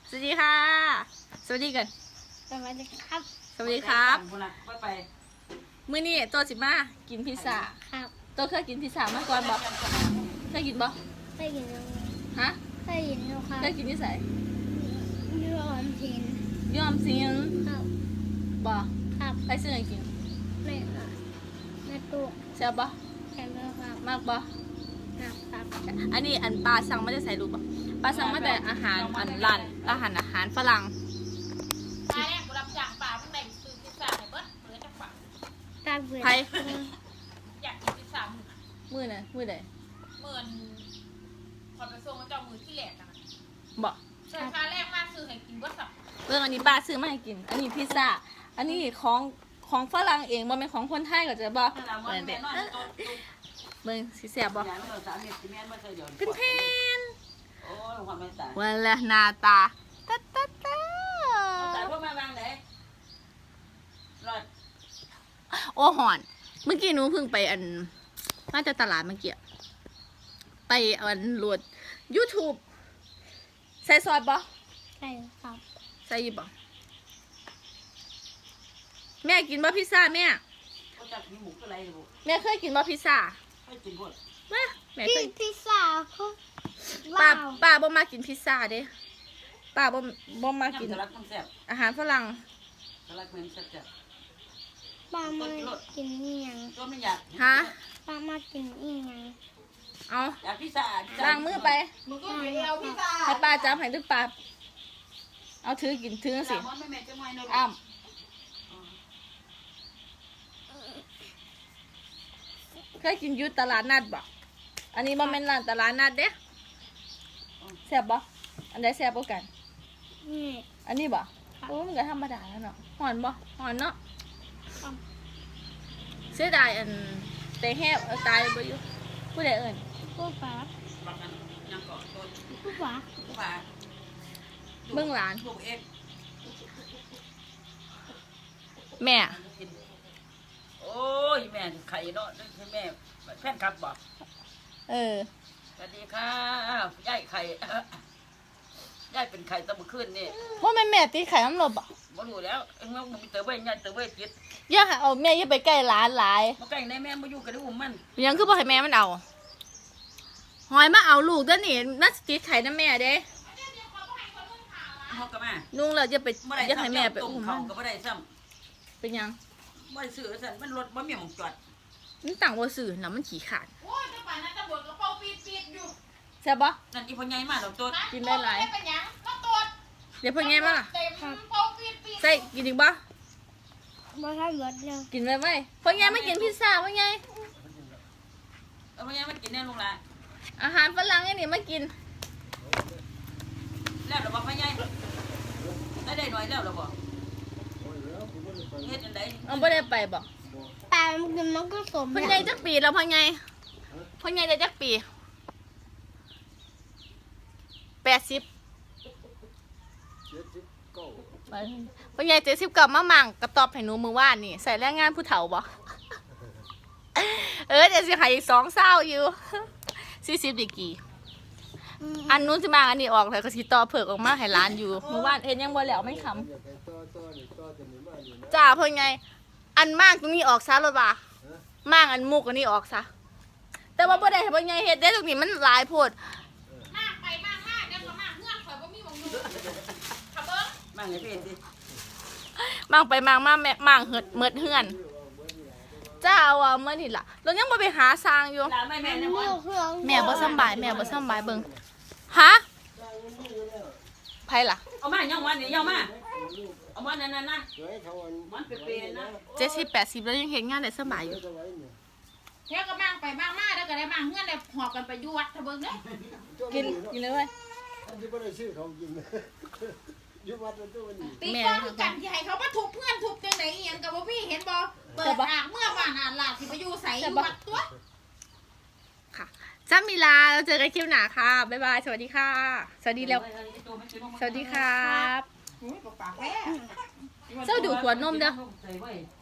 สวัสดีค่ะสวัสดีกันสวัสดีครับสวัสดีครับไปมื้อนี้ตัวสิมากินพิซซ่าครับตัวเคยกินพิซซ่ามาก่อนบ่เคยกินบ่เคยยินดูฮะเคยยินดูครับเคยกินที่ไสยูออมสินยอมสิงครับบ่ครับไปซื้อให้กินในตู้แซ่บบ่แค่นี้ครับมากบ่นะครับอันนี้อันปลาสั่งมาได้ใส่รูปบ่ปลาสั่งมาแต่อาหารอันร้านอาหารฝรั่งตายแรกกูรับจ้างป่าเพิ่งได้ซื้อพิซซ่าให้เบิดเหลือจักบาทตาเบื่อไผอยากกินพิซซ่ามื้อมื้อใดเมื่อนพอไปส่งมาเจ้ามือที่แหลกกันบ่ใช่ค่าแรกมาซื้อให้กินเบิดสับเรื่องอันนี้ป้าซื้อมาให้กิน อันนี้พิซซ่า อันนี้ของฝรั่งเองบ่แม่นของคนไทยก็จะบ่เหมือนเด็กเบิ่งสิแซ่บบ่เป็นแผ่นโอ้ยความไม่ตายวันละหน้าตาตาตาตาตายพวกมาวางไหนรอดโอ้หอน เมื่อกี้หนูเพิ่งไปอันมาจากตลาดเมื่อกี้ไปอันโหลด YouTube ใส่ซอสบ่ใช่ครับใส่อยู่บ่แม่กินบ่พิซซ่าแม่เขาจับมีหมูอะไรอยู่แม่เคยกินบ่พิซซ่าให้กินหมดมาแม่เคยพิซซ่าเขาป้าว้าวป้าบ่มากินพิซซ่าเด้ป้าบ่มากินสลัดมันแซ่บอาหารฝรั่งสลัดมันแซ่บจ้ะป้ามากินอีหยังตัวไม่อยากฮะป้ามากินอีหยังเอาอยากพิซซ่าล้างมือไปมึงก็ไปเอาพิซซ่าให้ป้าจับให้ด้วยป้าเอาถือกินถือสิไม่แม่จะไม่เนาะอ้ำเคยกินอยูตลาดนัดบ่อันนี้บ่แม่นร้านตลาดนัดเด้แซ่บบ่อันใดแซ่บกว่ากันนี่อันนี้บ่โอ้มันก็ธรรมดาแล้วเนาะหอนบ่หอนเนาะเสียดายอันแต่แฮบตายบ่อยู่ผู้ใดเอิ้นผู้ป๋าบางอันยังเกาะต้นผู้ป๋าผู้ป่าเบิ่งหลานลูกเอ็กแม่โอ้ยแม่ไข่เนาะแม่แฟนคลับบอกเออสวัสดีค่ะยายไข่ยายเป็นไข่ตะบุขึ้นนี่บ่แม่นแม่ตีไข่น้ำลบบ่บ่รู้แล้วเอ็งมันมีเต๋อไว้ยายเต๋อไว้จิตอย่าให้เอาแม่อย่าไปใกล้หลานหลายมาใกล้ในแม่มาอยู่กับอุ้มมันยังคือบ่ให้แม่มันเอาหอยมาเอาลูกเด้อนี่น่าสิติดไข่นะแม่เด้เขาก็มานุ่งแล้วอย่าไปบ่ได้อย่าให้แม่ไปต้มอุ้มเขามันก็บ่ได้ซ้เป็นหยังำบ่ได้ซื้อสั่นมันรถบ่มีหม้องจอดมันต่างบ่ซื้อแล้วมันขี้ขาดโอ้ยจังหวะนั้นตำรวจก็เฝ้าปีดอยู่ใช่บ่นั่นอีพ่อใหญ่มาดอกตัวกินได้หลายไม่เป็นหยังก็ตรวจเดี๋ยวเพิ่นไงมาล่ะเต็มเฝ้าปีดใส่กินอีกบ่บ่ทำรถเร็วกินไว้เพิ่นไงมากินพิซซ่าเพิ่นไงพ่อใหญ่มากินแน่ลุงล่ะอาหารฝรั่งอันนี้มากินแล้วล่ะบ่พ่อใหญ่ได้หน่อยแล้วล่ะบ่เฮ็ดจังได๋เอาบ่ได้ไปบ่แต่มันก็สมเพิ่นไงจักปีแล้วเพิ่นไงเพิ่นไงได้จักปี80เพิ่นไง79มามั่งกระตอบให้หนูมื้อวานนี่ใส่แรงงานผู้เฒ่าบ่ เดี๋ยวสิให้อีก2เศร้าอยู่40ดีกี่อันนู้นสิมาอันนี้ออกแล้วก็สิต่อเผือกออกมาให้ร้านอยู่เมื่อวานเฮ็ดยังบ่แล้วไม่คำจ้าเพิ่นไง อันมากตรงนี้ออกซะรถว่ามากอันมุกอันนี้ออกซะแต่ว่าบ่ได้ให้เพิ่นไงเฮ็ดได้ตรงนี้มันหลายโพดมากไปมากเดี๋ยวก็มากเงื่อนข่อยบ่มีหวังอยู่ขับเบิ้งมาให้พี่สิมากไปมากมาแม่มากเหิดเมิดเฮือนจ้าว่าเมื่อนี่ล่ะเรายังบ่ไปหาสร้างอยู่ลาแม่นะมันแม่บ่สำบายแม่บ่สำบายเบิ่งฮะไผล่ะเอามาย่องวันนี่ย่องมาเอามานั่นๆนะมันเปรี้ยๆนะ 70-80แล้วยังเฮ็ดงานได้สบายอยู่เที่ยวก็มากไปมากเดี๋ยวก็ได้มากเงื่อนเลยหอบกันไปอยู่วัดทะเบิ้งเด้อกินเลยเว้ยอันที่ไม่ได้ชื่อเขากินยุบวัดมันตัวนี้ตีก้อนคือกันที่ให้เขามาทุบเพื่อนทุบจังไหนอีหยังกับบ่พี่เห็นบ่เปิดอ่างเมื่อวานอ่านหลาดสิไปอยู่ใส่อยู่วัดตัวค่ะจ้ามีลาเราเจอกันคลิปหน้าค่ะบ๊ายบายสวัสดีค่ะ สวัสดีแล้วสวัสดีครับโอ้ยปากแพ้เจ้าดูดขวดนมเด้อใส่ไว้